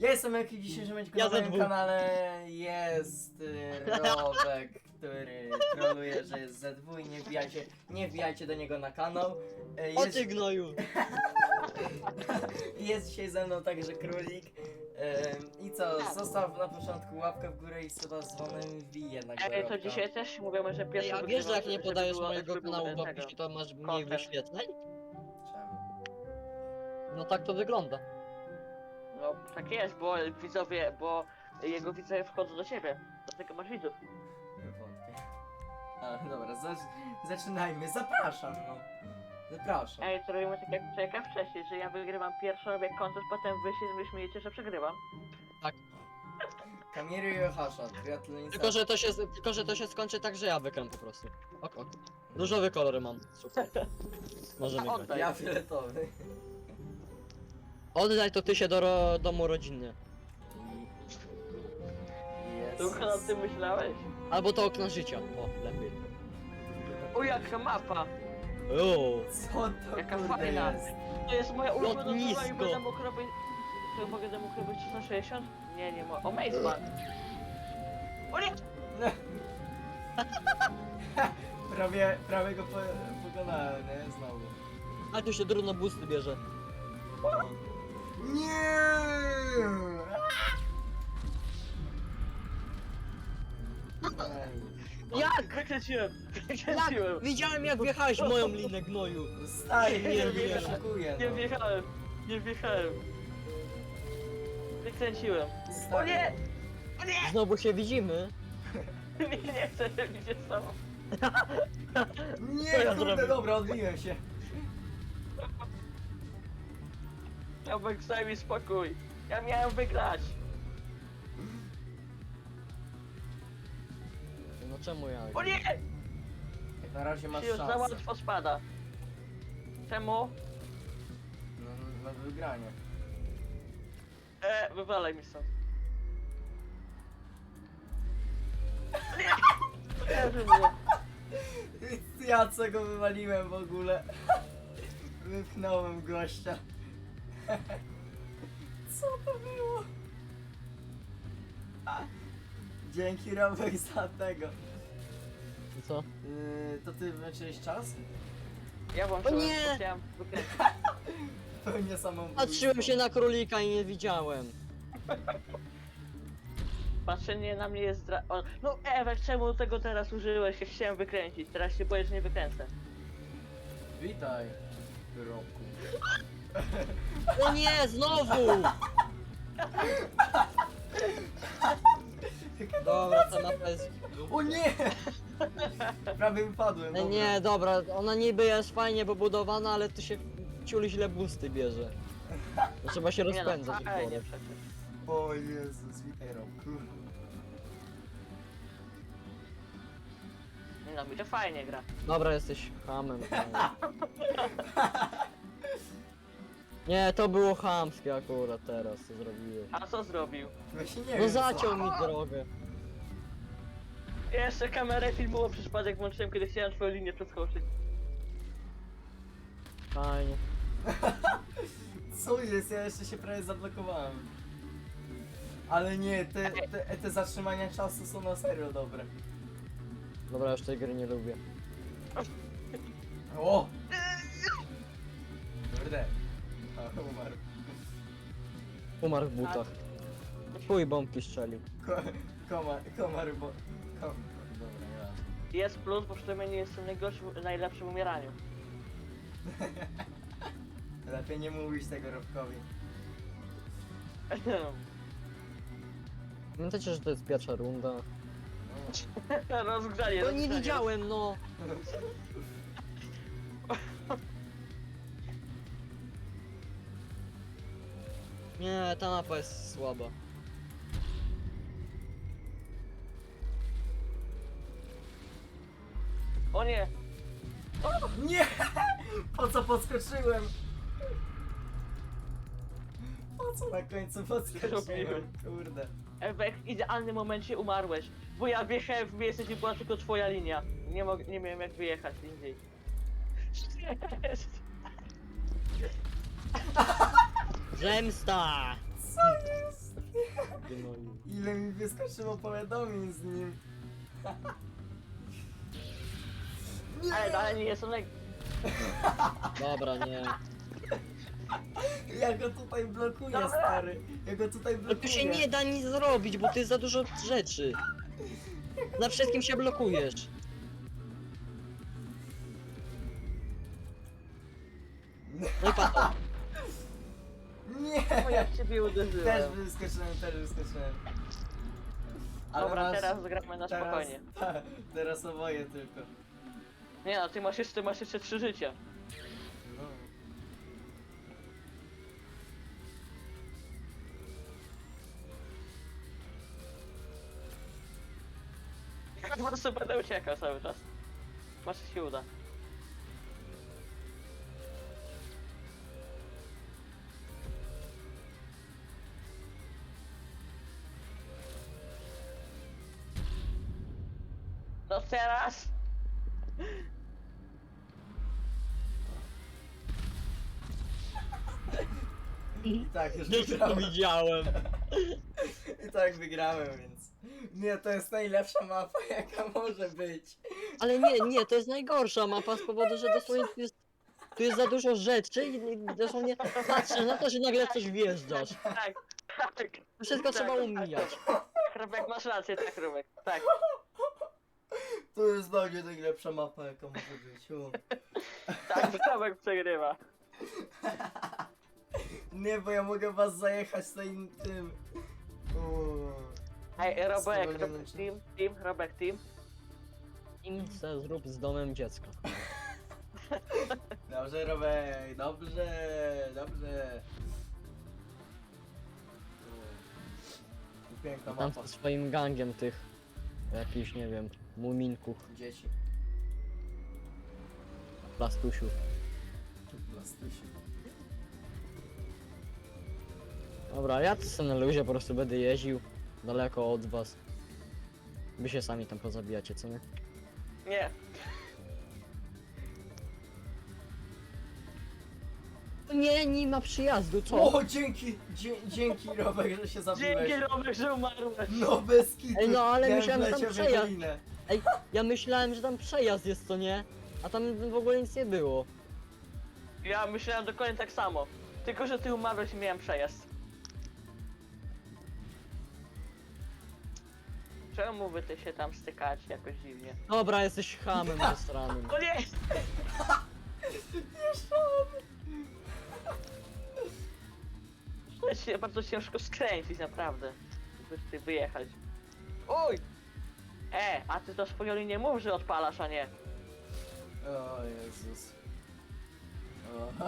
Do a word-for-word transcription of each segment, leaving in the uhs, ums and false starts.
Ja jestem Eki, w dzisiejszym odcinku Ja na ze moim dwóch. kanale jest y, Robek, który troluje, że jest ze dwóch i nie wbijajcie, nie wbijajcie do niego na kanał. Y, O Jest, ty gnoju! jest dzisiaj ze mną także Królik. Y, I co, zostaw na początku łapkę w górę i suba z dzwonem i wbij jednak do Ej, to Robka. dzisiaj też mówimy, że pierwszy Ej, a wiesz, że jak nie żeby podajesz było- mojego żeby było kanału w tego. opisie, to masz mniej Content. wyświetleń? Czemu? No tak to wygląda. No tak jest, bo widzowie, bo jego widzowie wchodzą do ciebie. Dlatego masz widzów. Wątpię. A, dobra, zacz, zaczynajmy, zapraszam no. Zapraszam. Ej, to robimy tak jak, tak jak wcześniej, że ja wygrywam pierwszą, robię koncert, potem wy się wy śmiejecie, że przegrywam. Kamiry i Ohasza, gratuluję. Tylko że, to się, tylko, że to się skończy tak, że ja wygram po prostu. Ok, ok. Różowe kolory mam. Super. Możemy grać. Oddaj. Ja fioletowy. Oddaj to ty się do ro domu rodzinnie. Tylko nad tym myślałeś? Albo to okno życia. O, lepiej. O, jaka mapa! Uuu. Co to Jaka kurde fajna. jest? To jest moja ulubiona Lotnisko. droga i będę mógł robić... To mogę mógł robić trzysta sześćdziesiąt? Nie, nie mogę. O, Mazeman! O nie! prawie, prawie go po, pokonałem, nie? Znowu. A tu się drudno busty bierze. Nie! Ej, Jak? Wykręciłem! Jak? Wykręciłem! Widziałem jak wjechałeś w moją linę gnoju. Stary, nie, Nie nie, nie wierzę. szukuję, Nie no. wjechałem! Nie wjechałem! Wykręciłem! O Stary. nie! O nie! Znowu się widzimy. Nie, nie chcę, żeby się stało. Nie, Co ja kurde, zrobię? dobra, odbiłem się. Robek, daj mi spokój. Ja miałem wygrać. No czemu ja? O nie! Jak na razie masz Się już za szansę. łatwo spada. Czemu? No, na wygranie. E, wywalaj mi stąd. O nie! Kojarzy mnie. Ja co go wywaliłem w ogóle. Wypchnąłem gościa. Co to było? Dzięki Robek za tego. I co? Yy, to ty wyczyłeś czas? Ja włączyłem, O nie! bo chciałem wykręcić. Pełnie samą. Patrzyłem się na królika i nie widziałem. Patrzenie na mnie jest zdra... O, no Ewek, czemu tego teraz użyłeś? Ja chciałem wykręcić, teraz się boję, że nie wykręcę. Witaj, Robku. O nie, znowu! Dobra, ta mapa jest... O nie! Prawie wypadłem. E, dobra. nie, dobra, ona niby jest fajnie pobudowana, ale tu się ciul źle busty bierze. To trzeba się Nie rozpędzać. no, fajnie przecież. O Jezus, witaj Robku. Nie no, mi to fajnie gra. Dobra, jesteś hamem. Nie, to było chamskie akurat teraz, co zrobiłeś. A co zrobił? Właśnie nie No wiem. zaciął mi drogę. Jeszcze kamerę filmową przy przypadek włączyłem, kiedy chciałem twoją linię przeskoczyć. Fajnie. Co jest? Ja jeszcze się prawie zablokowałem. Ale nie, te, te, te zatrzymania czasu są na serio dobre. Dobra, już tej gry nie lubię. O! Kurde. A, umarł. Umarł w butach. Chuj bombki strzelił. Ko, komar, komar, bo... Kom, dobra, nie Jest plus, bo przynajmniej nie jestem najgorszym, najlepszym w umieraniu. Lepiej nie mówić tego Robkowi. Pamiętacie, że to jest pierwsza runda? No. Rozgrzanie, To nie rozgrzanie. widziałem, no! Nie, ta mapa jest słaba. O nie! Nie! Po co podskoczyłem? Po co na końcu podskoczyłem? Zrobiłem. Kurde. Ewek, w idealnym momencie umarłeś. Bo ja wjechałem w miejsce, gdzie była tylko twoja linia. Nie, mog- nie miałem jak wyjechać indziej. Jest. Zemsta! Co jest? gnoju. Ile mi wyskoczyło powiadomień z nim. Ale dalej nie jestem naj... Dobra, nie. Ja go tutaj blokuję, Dobra. stary. Ja go tutaj No tu się blokuję. nie da nic zrobić, bo to jest za dużo rzeczy. Na wszystkim się blokujesz. No i patrz. Nie! O, jak ciebie Też uderzyłem. wyskoczyłem, też wyskoczyłem. Ale Dobra, masz- teraz gramy na teraz, spokojnie. Ta, teraz oboje tylko. Nie no, ty masz jeszcze, masz jeszcze trzy życia. No. Ja po prostu będę uciekał cały czas. Może się uda. No teraz! I tak już Nie to wygrałem. widziałem. I tak wygrałem, więc... Nie, to jest najlepsza mapa, jaka może być. Ale nie, nie, to jest najgorsza mapa z powodu, że dosłownie tu jest, tu jest za dużo rzeczy i i dosłownie patrzysz na to, że nagle coś wjeżdżasz. Tak, tak. Wszystko Tak, trzeba tak. umijać. Rubek, masz rację, tak Rubek. Tak. To jest dla mnie najlepsza mapa, jaka może być. U. Tak, Rubek przegrywa. Nie, bo ja mogę was zajechać tym... tym. U. Ej, Robek, Spowolniony Robek, czas. team, team, Robek, team. Im se zrób z domem dziecka. Dobrze, Robek, dobrze, dobrze. U. Piękna Tam mapa. ze swoim gangiem tych jakichś, nie wiem, muminków, Dzieci. plastusiów. Plastusi. Dobra, ja to sobie na luzie po prostu będę jeździł daleko od was. Wy się sami tam pozabijacie, co nie? Nie. Nie, nie ma przyjazdu, co? O, dzięki, dzie, dzięki Robek, że się zabiłeś. Dzięki Robek, że umarłeś. No bez kitu. Ej, no, ale Miałem myślałem, że tam wleciał w przejazd. Ewelinę. Ej, ja myślałem, że tam przejazd jest, co nie? A tam w ogóle nic nie było. Ja myślałem dokładnie tak samo. Tylko, że ty umarłeś i miałem przejazd. Czemu wy ty się tam stykacie jakoś dziwnie? Dobra, jesteś hamem zastranym. O nie! Jeszcze on. To jest się bardzo ciężko skręcić, naprawdę. Żeby ty wyjechać. Uj! E, a ty to swoją linię mów, że odpalasz, a nie. O Jezus. O.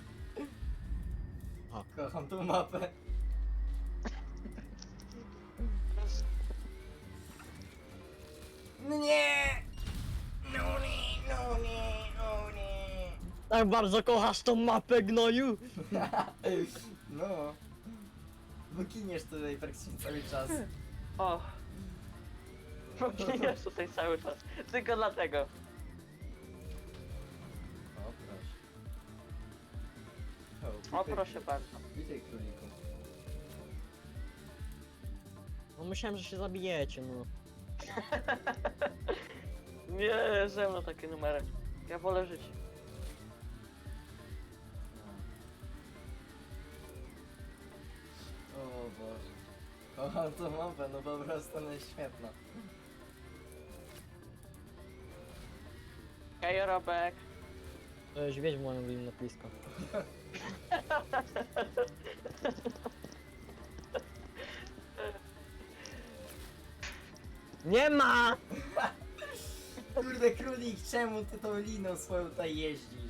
A. Kocham tą mapę. No nie! No nie, no nie, no nie. Tak bardzo kochasz tą mapę, gnoju? No. Wykiniesz tutaj praktycznie cały czas. O. Jest tutaj cały czas. Tylko dlatego. O proszę. O, witaj- proszę bardzo. Witaj króliku. No myślałem, że się zabijecie, no. Nie, ze mną takie numery. Ja wolę żyć. O Boże. Kocham tą mapę, no po prostu ona jest świetna. Hej, Robek. To jest wiedź w moją linię blisko. Nie ma! Kurde królik, czemu ty tą liną swoją tutaj jeździsz?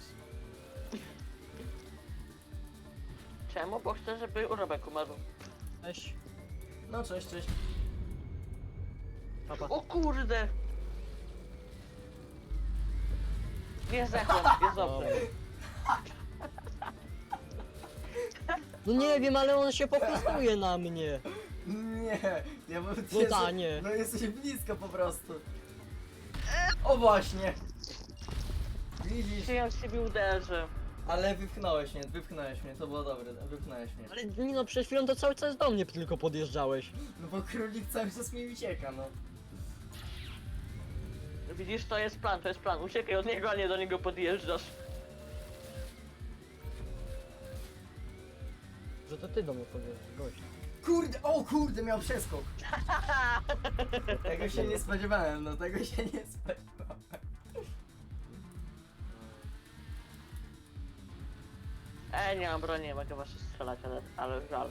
Czemu? Bo chcę, żeby Robek umarł. Weź, No cześć, cześć. papa. O kurde! Nie zdechłem, jest dobrze. No nie wiem, ale on się popistuje na mnie. Nie, ja bym... No ta, nie. No jesteś blisko po prostu. O właśnie. Widzisz? Czy ja w siebie uderzę? Ale wypchnąłeś mnie, wypchnąłeś mnie, to było dobre, wypchnąłeś mnie. Ale Nino, przed chwilą to cały czas do mnie tylko podjeżdżałeś. No bo królik cały czas mi ucieka, no. Widzisz, to jest plan, to jest plan. Uciekaj od niego, a nie do niego podjeżdżasz. Że to ty do mnie podjeżdżasz, gość. Kurde, o kurde, miał przeskok. Tego się nie spodziewałem, no tego się nie spodziewałem. E, nie mam broni, nie mogę was strzelać, ale, ale żal.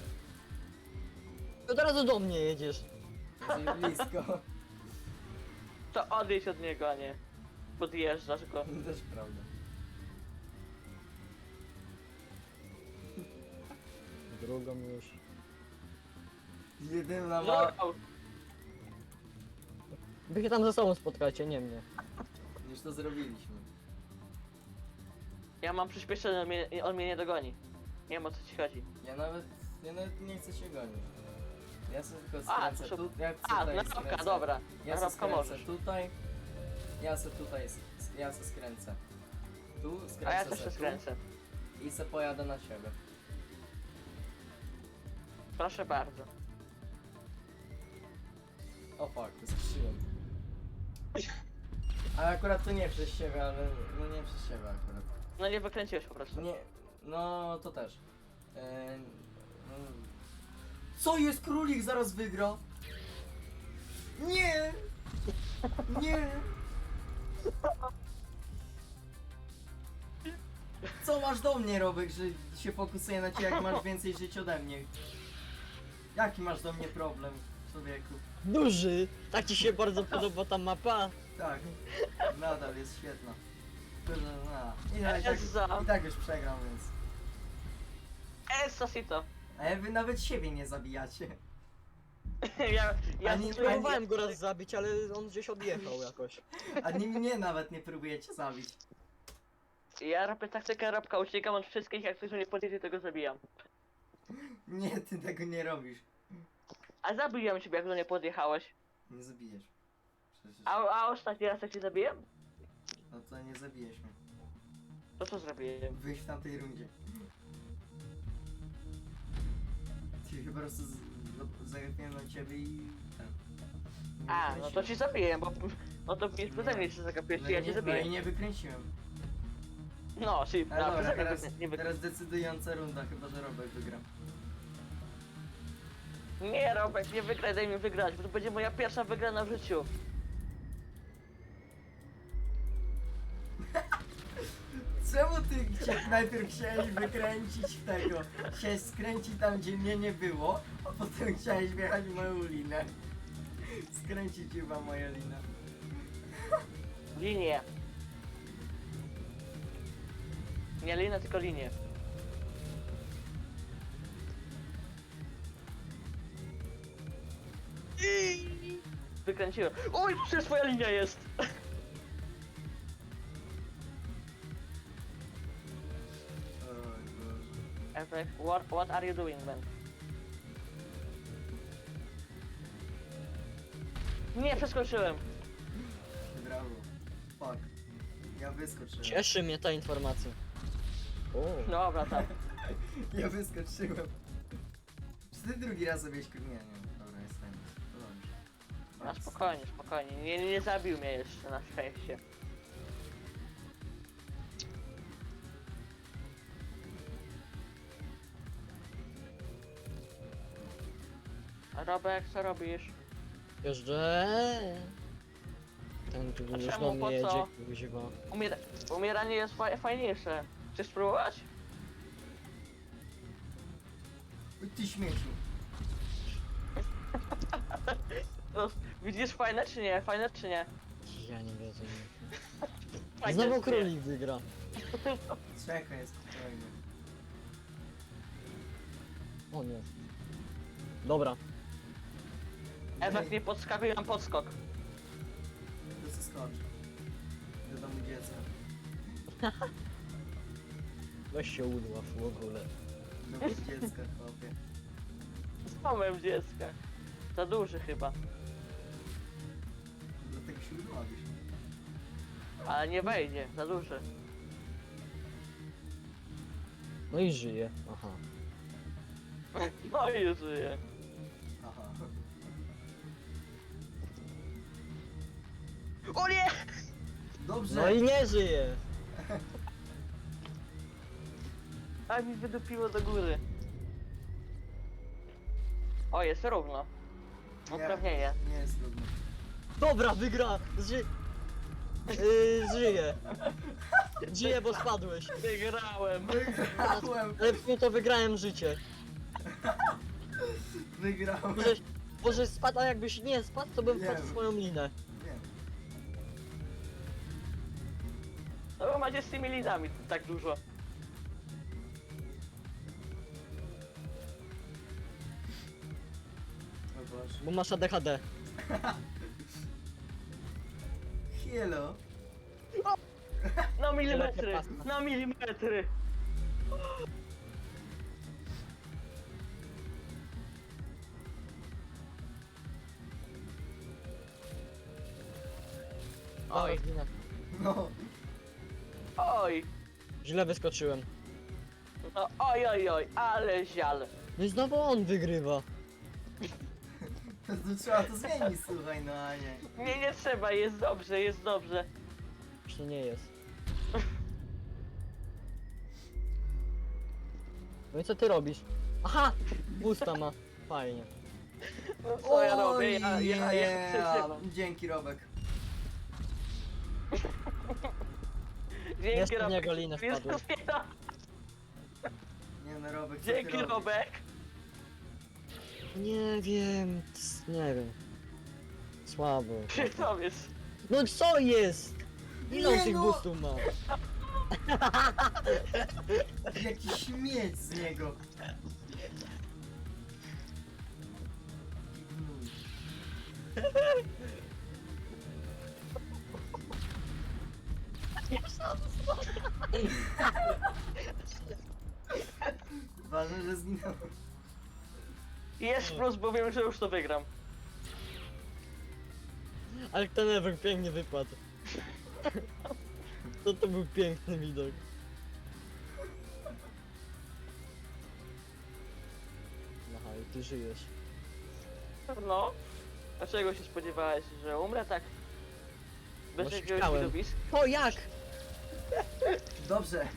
Od razu do mnie jedziesz. Jesteś blisko. To odejdź od niego, a nie podjeżdżasz go. Też prawda. Drugą już. Jedyna No, ma... Wy się tam ze sobą spotkajcie, nie mnie. Już to zrobiliśmy. ja mam przyspieszenie, on mnie, on mnie nie dogoni. Nie wiem o co ci chodzi. Ja nawet, ja nawet nie chcę się gonić. Ja sobie tylko A, skręcę to- tu, ja chcę A, tutaj na robka, skręcę. dobra. Ja Na se robka skręcę możesz. tutaj. Ja se tutaj, s- ja se skręcę. Tu, skręcę A ja se też się tu skręcę. i se pojadę na siebie. Proszę bardzo. O fuck, skrzyłem. Ale akurat to nie przez siebie, ale no nie przez siebie akurat. No nie wykręciłeś po prostu. Nie, no to też. Eee, no. Co jest królik zaraz wygra? Nie! Nie! Co masz do mnie, Robek, że się fokusuję na ciebie, jak masz więcej żyć ode mnie? Jaki masz do mnie problem, człowieku? Duży! Tak ci się bardzo podoba ta mapa? Tak, nadal jest świetna. Tyle, no. I, tak, i, tak, Eza. I tak już przegram, więc... Esasito. Ale wy nawet siebie nie zabijacie. ja, ja Ani- ani, Próbowałem go raz zabić, ale on gdzieś odjechał jakoś. Ani mnie nawet nie próbujecie zabić. Ja robię taktykę robka, uciekam od wszystkich, jak ktoś mnie podjedzie, to go zabijam. Nie, ty tego nie robisz. A zabiłem ciebie, jak do mnie podjechałeś. Nie zabijesz. Przecież... A, a ostatni raz jak cię zabiłem? No to nie zabijesz mnie. To co zrobiłem? Wyjść w tamtej rundzie. Ty po prostu z- zagapiłem na ciebie i... ten. Nie A, no to wykręciłem. ci zabiję, bo... No to już przeze mnie się zagapiłeś, No ja i cię nie- No zabiję. i nie wykręciłem. No, czyli Ale no, dobra, przeze mnie teraz, wy- nie wy... teraz decydująca runda, chyba że Robek wygra. Nie, Robek, nie wygraj, daj mi wygrać, bo to będzie moja pierwsza wygrana w życiu. Czemu ty chcia, najpierw chciałeś wykręcić w tego? Chciałeś skręcić tam, gdzie mnie nie było, a potem chciałeś wjechać w moją linę. Skręcić chyba moja lina. Linię. Nie linę, tylko linię. Wykręciłem. Oj, przecież twoja linia jest! Oj Boże. Efek, what, what are you doing, man? Nie, przeskoczyłem. Brawo. Fuck. Ja wyskoczyłem. Cieszy mnie ta informacja. O, Dobra, tak. Ja wyskoczyłem. Czy ty drugi raz sobie śkr... Nie, nie, dobra, jest fajnie. To dobrze. Na Bardzo. spokojnie, spokojnie. Nie, nie zabił mnie jeszcze, na szczęście. Robek, co robisz? jeżdżę. Ten tu A już czemu, do po mnie co? jedzie, kuźwa. Umiera umieranie jest fa fajniejsze. Chcesz spróbować? Oj, ty śmieciu. No, widzisz fajne czy nie? Fajne czy nie? Ja nie wiem. Fajne Znowu czy nie? królik wygra. Czekaj, jest spokojnie. O nie. Dobra. Efekt nie podskakuj, mam podskok. To co skocz. Do domu dziecka. Weź się udław w ogóle. Do domu dziecka, chłopie. Z mamem dziecka. Za duży chyba. Dlatego się udławisz. Ale nie wejdzie, za duży. No i żyje. Aha. No i żyje. Aha. O nie! Dobrze. No i nie żyje. A mi wydupiło do góry. O, jest równo. Uprawnienie. Nie jest trudno. Dobra, wygra. Ży... Yy, żyje. Żyje, bo spadłeś. Wygrałem. Wygrałem. Ale w sumie to wygrałem życie. Wygrałem. Może, może spadł, a jakbyś nie spadł, to bym Nie wpadł w wiem. swoją linę. Nie. No bo macie z tymi lidami tak dużo. O Boże. Bo masz A D H D. Hello. Na milimetry! pasta. Na milimetry! Oj, No. oj! Źle wyskoczyłem. No oj, oj, oj, ale zial. No i znowu on wygrywa. To, to trzeba to zmienić, słuchaj, no a nie. Nie, nie trzeba, jest dobrze, jest dobrze. Już to nie jest. No i co ty robisz? Aha! Busta ma. Fajnie. No co ja robię? Ja, ja, ja się yeah. przeżywam. Dzięki, Robek. Dzięki Jeszcze w Robek. niego linę Jest wpadłem. rozpięta. Nie no, Robek, co Dzięki ty robisz? Robek. Nie wiem. c- Nie wiem. Słabo. Co jest? No co jest? Ile on Nie tych no. boostów ma? Jaki śmieć z niego. Ważne, że zginął. Jest plus, bo wiem, że już to wygram. Ale ten Ewer pięknie wypadł. To to był piękny widok. Aha, i ty żyjesz. No. A czego się spodziewałeś, że umrę tak? Bez Właśnie jakiegoś chciałem. widowiska? O jak? Dobrze.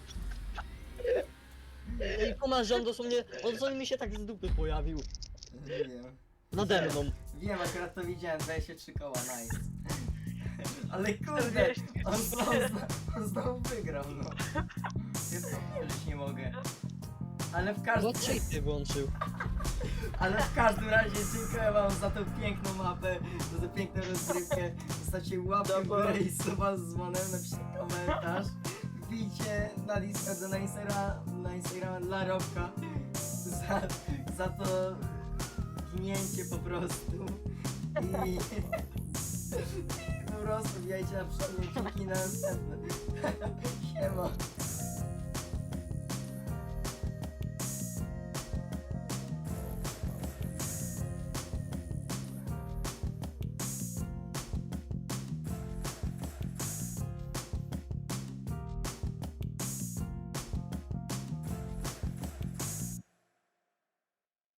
Ej, kumasz, że on dosłownie, on dosłownie mi się tak z dupy pojawił. Wiem. Nade mną. Wiem, akurat to widziałem, dwadzieścia trzy koła, nice. Ale kurde, on, on, znowu, on znowu wygrał, no. Ja to wierzyć nie mogę. Ale w każdym, No cheaty włączył. ale w każdym razie dziękuję wam za tą piękną mapę, za tę piękną rozgrywkę. Zostawcie łapkę w górę i suba z dzwonem, napiszcie komentarz. Wbijcie na Discorda, na Instagrama, na Instagrama dla Robka za, za to ginięcie po prostu. I po prostu wbijajcie na przykład odcinki na następne. Siema.